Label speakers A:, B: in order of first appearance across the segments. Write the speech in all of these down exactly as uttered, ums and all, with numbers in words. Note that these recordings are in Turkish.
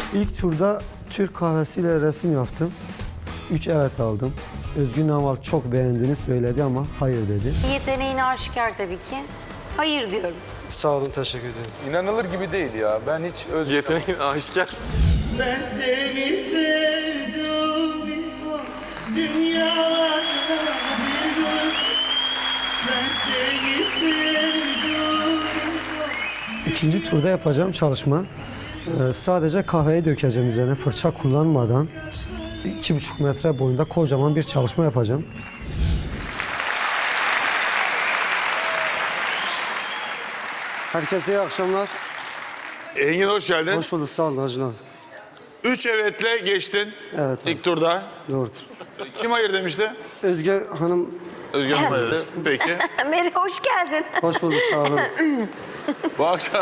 A: İlk turda Türk kahvesiyle resim yaptım. Üç evet aldım. Özgün Namal çok beğendiğini söyledi ama hayır dedi.
B: Yeteneğin aşikar tabii ki. Hayır diyorum.
A: Sağ olun, teşekkür ederim.
C: İnanılır gibi değil ya. Ben hiç öz...
D: Yeteneğin aşikar.
E: Ben seni sevdim dünyada bir dur. Ben seni sevdim.
A: İkinci turda yapacağım çalışma. Ee, sadece kahveyi dökeceğim üzerine fırça kullanmadan. iki buçuk metre boyunda kocaman bir çalışma yapacağım. Herkese iyi akşamlar.
F: Engin hoş geldin.
A: Hoş bulduk, sağ olun Hacı abi.
F: Üç evetle geçtin
A: Evet abi.
F: ilk turda.
A: Doğrudur.
F: Kim hayır demişti?
A: Özge Hanım,
F: Özgür Hanım hayır dedi. Peki.
B: Meri hoş geldin.
A: hoş bulduk, sağ olun.
F: Bu akşam...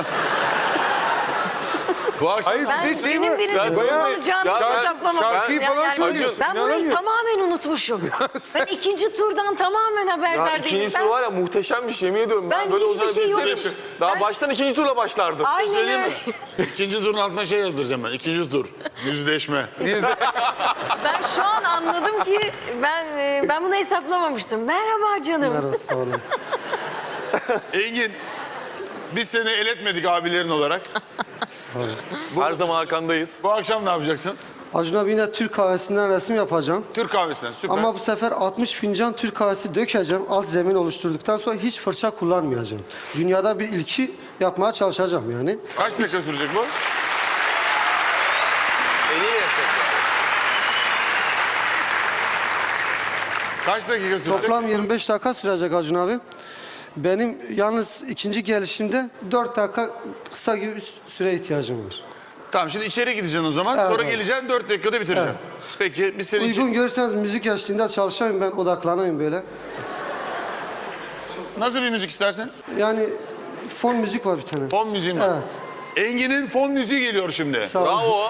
F: Bu akşam...
C: Hayır
B: Ben
C: bir de şey
B: benim
C: var.
B: birinin
C: bayağı-
B: olacağını
C: Ya ben
B: hesaplamamıştım.
C: şarkıyı
B: Yani-
C: falan
B: yani-
C: söylüyorsun,
B: Ben burayı
C: inanamıyorum.
B: tamamen unutmuşum. Ben ikinci turdan tamamen
D: Ya
B: haberdar değilim.
D: ikinci
B: Ben-
D: tur var ya muhteşem bir şey, yemin ediyorum.
B: Ben
D: böyle
B: hiçbir
D: olacağını
B: şey
D: bilseydim-
B: yokmuş.
D: Daha
B: Ben-
D: baştan ikinci turla başlardım.
B: Aynen
F: Söyleyeyim
B: öyle.
F: mi? İkinci turun altına şey yazdıracağım ben. İkinci tur. Yüzleşme.
B: Ben şu an anladım ki ben e, ben bunu hesaplamamıştım. Merhaba canım.
A: Merhaba, sağ olun.
F: Engin, biz seni el etmedik abilerin olarak.
D: Her zaman arkandayız.
F: Bu akşam ne yapacaksın?
A: Acun abi yine Türk kahvesinden resim yapacağım.
F: Türk kahvesinden. Süper.
A: Ama bu sefer altmış fincan Türk kahvesi dökeceğim. Alt zemin oluşturduktan sonra hiç fırça kullanmayacağım. Dünyada bir ilki yapmaya çalışacağım yani.
F: Kaç dakika sürecek bu? Kaç dakika sürecek?
A: Toplam yirmi beş dakika sürecek Acun abi. Benim yalnız ikinci gelişimde dört dakika kısa gibi bir süre ihtiyacım var.
F: Tamam, şimdi içeri gideceksin o zaman.
A: Evet,
F: Sonra
A: evet.
F: geleceksin, dört dakikada bitireceksin.
A: Evet.
F: Peki, biz seni içeri...
A: Uygun görürseniz müzik eşliğinde çalışayım, ben odaklanayım böyle.
F: Nasıl bir müzik istersen?
A: Yani fon müzik var bir tane.
F: Fon müziği mi?
A: Evet.
F: Engin'in fon müziği geliyor şimdi.
A: Sağ olun.
D: Bravo.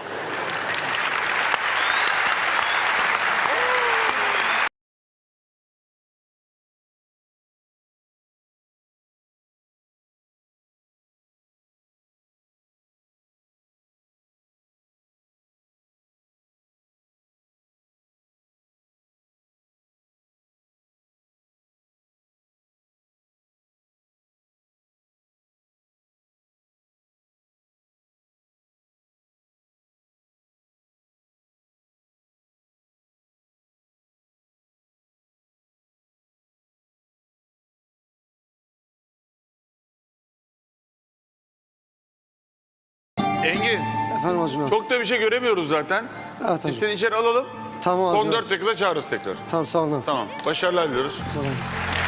F: Engin,
A: Efendim Acun abi.
F: çok da bir şey göremiyoruz zaten.
A: Evet
F: Biz
A: hocam.
F: seni içeri alalım.
A: Tamam
F: Son
A: hocam.
F: dört dakikada çağırırız tekrar.
A: Tamam, sağ olun abi.
F: Tamam, başarılar diliyoruz.
A: Kolay gelsin.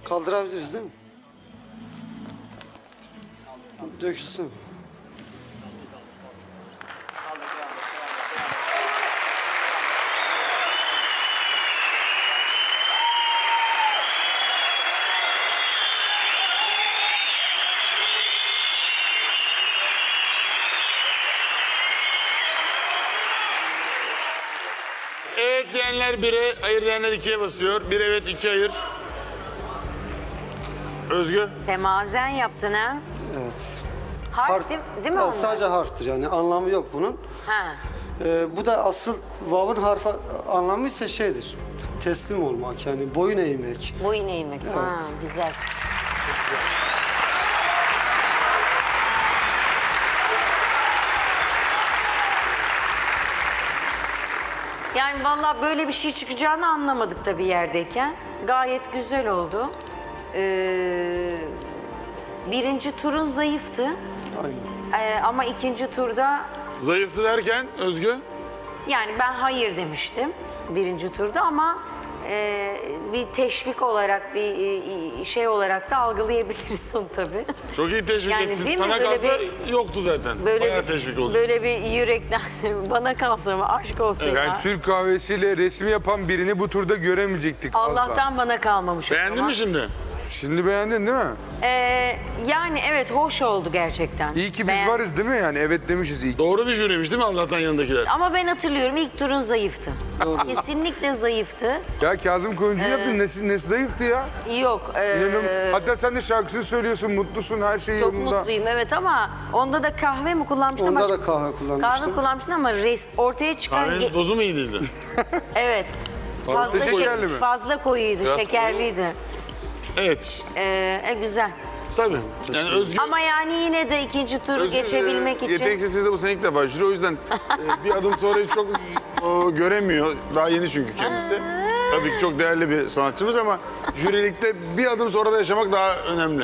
A: Kaldırabiliriz değil mi? Döksün.
F: Evet diyenler bire, hayır diyenler ikiye basıyor. Bir evet, iki hayır. Özgü?
B: Semazen yaptın ha.
A: Evet.
B: Harf değil, değil mi
A: Evet,
B: onlar?
A: sadece harftir yani anlamı yok bunun.
B: Ha.
A: Ee, bu da asıl vav'ın harfi anlamı ise şeydir. Teslim olmak yani boyun eğmek.
B: Boyun eğmek.
A: Evet.
B: Ha, güzel. Yani vallahi böyle bir şey çıkacağını anlamadık tabii yerdeyken. Gayet güzel oldu. Ee, birinci turun zayıftı.
A: Aynen.
B: Ee, ama ikinci turda
F: Zayıftı derken Özgü?
B: yani ben hayır demiştim birinci turda ama e, bir teşvik olarak bir e, şey olarak da algılayabiliriz onu tabii.
F: Çok iyi teşvik
B: Yani
F: ettin.
B: değil mi?
F: Sana
B: Böyle
F: kalsa
B: bir-
F: yoktu zaten.
B: Böyle
F: Bayağı
B: bir,
F: teşvik olacak.
B: böyle bir yürekten bana kalsa mı aşk olsun ya.
G: Yani Türk kahvesiyle resmi yapan birini bu turda göremeyecektik asla.
B: Allah'tan bana kalmamış o
F: Beğendin
B: zaman.
F: mi şimdi?
G: Şimdi beğendin değil mi?
B: Ee, yani evet hoş oldu gerçekten.
G: İyi ki biz
B: Beğen-
G: varız değil mi yani? Evet demişiz iyi ki.
F: Doğru bir jüriymiş değil mi Allah'tan yanındakiler?
B: Ama ben hatırlıyorum ilk turun zayıftı. Kesinlikle zayıftı.
G: Ya Kazım Koyuncu yaptın nesi, nesi zayıftı ya?
B: Yok. e,
G: İnanın. Hatta sen de şarkısını söylüyorsun, mutlusun, her şey
B: çok
G: yolunda.
B: mutluyum evet ama onda da kahve mi kullanmıştım?
A: Onda
B: Başka-
A: da kahve kullanmıştım.
B: Kahve kullanmıştım ama res, ortaya çıkan...
F: Kahvenin
B: ge-
F: dozu mu iyi değildi?
B: Evet. Fazla,
G: şekerli
B: şek-
G: mi?
B: fazla koyuydu,
D: Biraz
B: şekerliydi.
F: Evet.
B: Ee, e, güzel.
F: Tabii. Yani Özgü...
B: Ama yani yine de ikinci turu
F: Özgür,
B: geçebilmek
F: e,
B: için...
F: Yeteneksizliği de bu sene ilk defa jüri. O yüzden e, bir adım sonrayı çok o, göremiyor. Daha yeni çünkü kendisi. Tabii ki çok değerli bir sanatçımız ama jürilikte bir adım sonra da yaşamak daha önemli.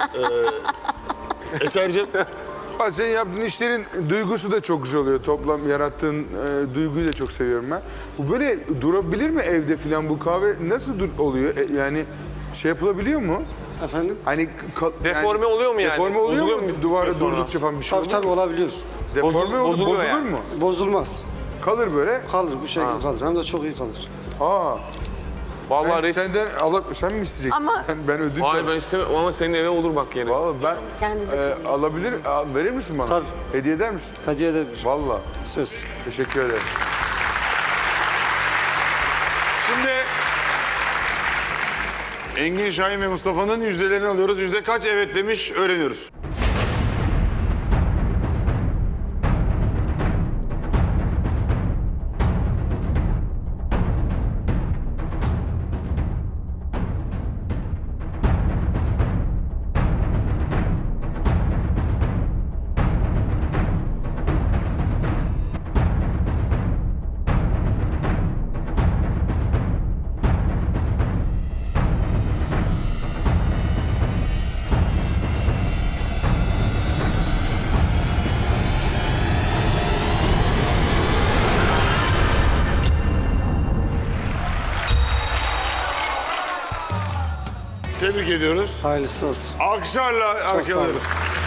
F: Ee, Eser'cim,
G: Bak senin yaptığın işlerin duygusu da çok güzel oluyor. Toplam yarattığın e, duyguyu da çok seviyorum ben. Bu böyle durabilir mi evde falan bu kahve? Nasıl dur- oluyor? E, yani şey yapılabiliyor mu?
A: Efendim?
G: Hani ka-
D: Deforme oluyor mu yani?
G: Deforme oluyor
D: Bozuluyor
G: mu?
D: mu bir
G: Duvara
D: süre sonra?
G: durdukça falan bir şey
A: Tabii
G: oluyor
A: tabii
G: mu?
A: olabiliyor.
G: Deforme
D: Bozul-
G: olur,
D: bozuluyor
G: bozulur
D: yani.
G: mu?
A: Bozulmaz.
G: Kalır böyle.
A: Kalır bu şekilde kalır. Hem de çok iyi kalır.
G: Aa.
D: Vallahi
G: Ben,
D: resim...
G: senden ala, sen mi isteyecektin?
B: Ama-
G: Ben, ben ödünç
D: Hayır
G: alayım.
D: ben istemem ama senin eve olur bak yine.
G: Vallahi ben
B: Kendi de
G: e, alabilir, al- verir misin bana?
A: Tabii.
G: Hediye eder misin?
A: Hediye edebilir.
G: Vallahi.
A: Söz.
G: Teşekkür ederim.
F: şimdi Engin Şahin ve Mustafa'nın yüzdelerini alıyoruz. Yüzde kaç evet demiş öğreniyoruz. Tebrik ediyoruz.
A: Hayırlısı olsun.
F: Alkışlarla
A: Çok sağ olun.
F: alkışlıyoruz.